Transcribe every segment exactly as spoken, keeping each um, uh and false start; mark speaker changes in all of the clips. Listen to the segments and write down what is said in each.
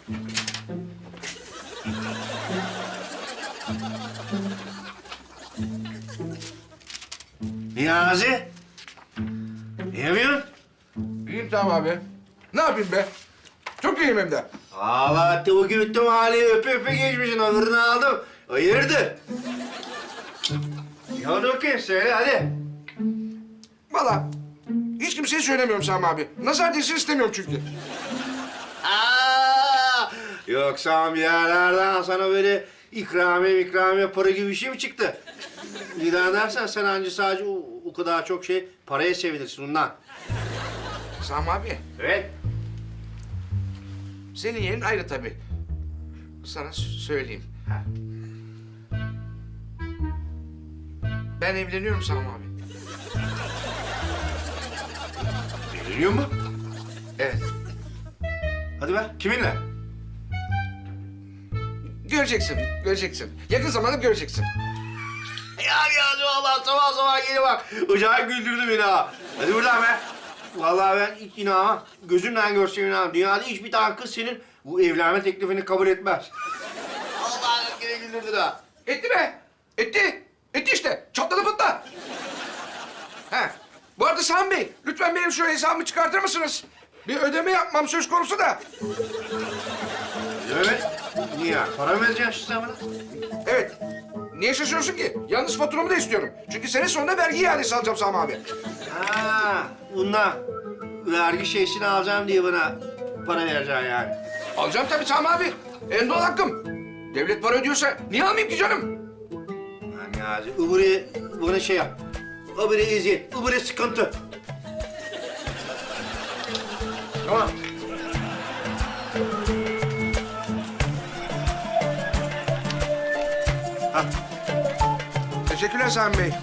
Speaker 1: Niyazi. Ne yapıyorsun?
Speaker 2: İyiyim tamam abi. Ne yapayım be? Çok iyiyim hem de.
Speaker 1: Allah tavuk yuttum hali öpe öpe geçmişsin. Öbürünü aldım. Hayırdır? Ne oldu bakayım? Söyle hadi.
Speaker 2: Vallahi hiç kimseye söylemiyorum Sami abi. Nazar değsin istemiyorum çünkü.
Speaker 1: Aa, yoksa bir yerlerden sana böyle ikramiye ikramiye para gibi bir şey mi çıktı? Bir daha dersen sen anca sadece o, o kadar çok şey paraya sevinirsin ondan.
Speaker 2: Sami abi,
Speaker 1: Evet.
Speaker 2: senin yerin ayrı tabii. Sana s- söyleyeyim.
Speaker 1: Ha.
Speaker 2: Ben evleniyorum Sami abi.
Speaker 1: Evleniyor mu?
Speaker 2: Evet.
Speaker 1: Hadi be. Kiminle?
Speaker 2: Göreceksin, göreceksin. Yakın zamanda göreceksin.
Speaker 1: Ya ya Allah sabah sabah geliyor bak. Acayip güldürdü beni ha. Hadi buradan be. Vallahi ben hiç inanmam. Gözümle görsem inanmam. Dünyada hiçbir tane kız senin bu evlenme teklifini kabul etmez. Allah'ım gene güldürdü daha.
Speaker 2: Etti be, etti. Etti işte, çatladı pıtla. He, bu arada Sami Bey, lütfen benim şu hesabımı çıkartır mısınız? Bir ödeme yapmam söz konusu da.
Speaker 1: Evet. Niye? Para mı vereceksin sen bana?
Speaker 2: Evet. Niye şaşırıyorsun ki? Yalnız faturamı da istiyorum. Çünkü sene sonunda vergi iadesi alacağım Sami abi.
Speaker 1: Ha, bundan vergi şeysini alacağım diye bana para vereceksin yani.
Speaker 2: Alacağım tabii Sami abi. En doğal hakkım. Devlet para ödüyorsa niye almayayım ki canım?
Speaker 1: Yani Niyazi, öbürü bana şey yap. Öbürü eziyet, öbürü sıkıntı. Tamam. Ha.
Speaker 2: Teşekkürler Sami Bey.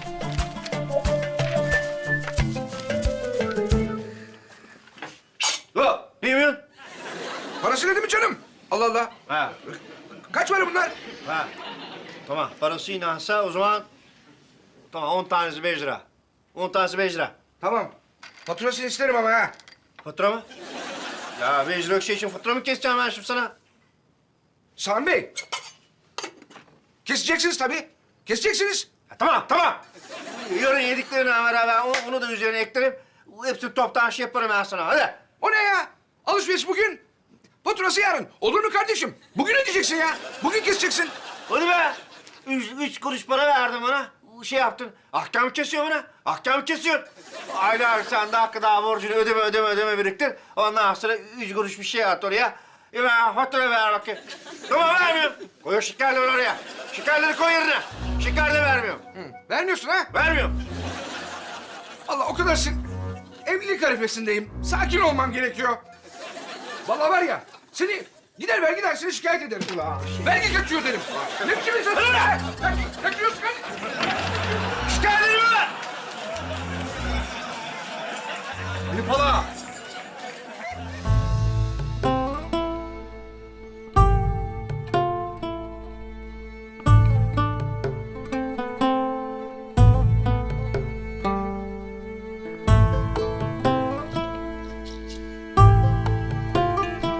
Speaker 1: Hop, ne yapıyorsun?
Speaker 2: Parası ne mi canım? Allah Allah.
Speaker 1: Ha,
Speaker 2: Kaç para bunlar?
Speaker 1: ha. Tamam, parası inansa o zaman... Tamam, on tanesi beş lira. On tanesi beş lira.
Speaker 2: Tamam. Faturasını isterim ama ha.
Speaker 1: Fatura mı? Ya beş liralık şey için fatura mı keseceğim ben şimdi sana?
Speaker 2: Sami Bey. Keseceksiniz tabii. Keseceksiniz.
Speaker 1: Ha, tamam, tamam. Yarın yediklerini beraber onu, onu da üzerine eklerim. Hepsini toptan şey yaparım ben sana, hadi.
Speaker 2: O ne ya? Alışveriş bugün. Faturası yarın. Olur mu kardeşim? Bugün ödeyeceksin ya. Bugün keseceksin.
Speaker 1: Hadi be. Üç, üç kuruş para verdim bana. Şey yaptın. Ahkam kesiyor bana. Ahkam kesiyor. Aylar sen de hakkı daha borcunu ödeme ödeme ödeme biriktir. Ondan sonra üç kuruş bir şey at oraya. E ben fatura ver bakayım. Tamam vermiyorum. Koy o şekerleri oraya. Şekerleri koy yerine. Şeker de vermiyorum.
Speaker 2: Hı, vermiyorsun ha?
Speaker 1: Vermiyorum.
Speaker 2: Allah o kadar sin... Evlilik arifesindeyim. Sakin olmam gerekiyor. Vallahi var ya, seni gider vergi dairesine şikayet ederim. Vergi kaçıyor derim. Ne biçim insan? Vergi kaçıyorsun kardeşim.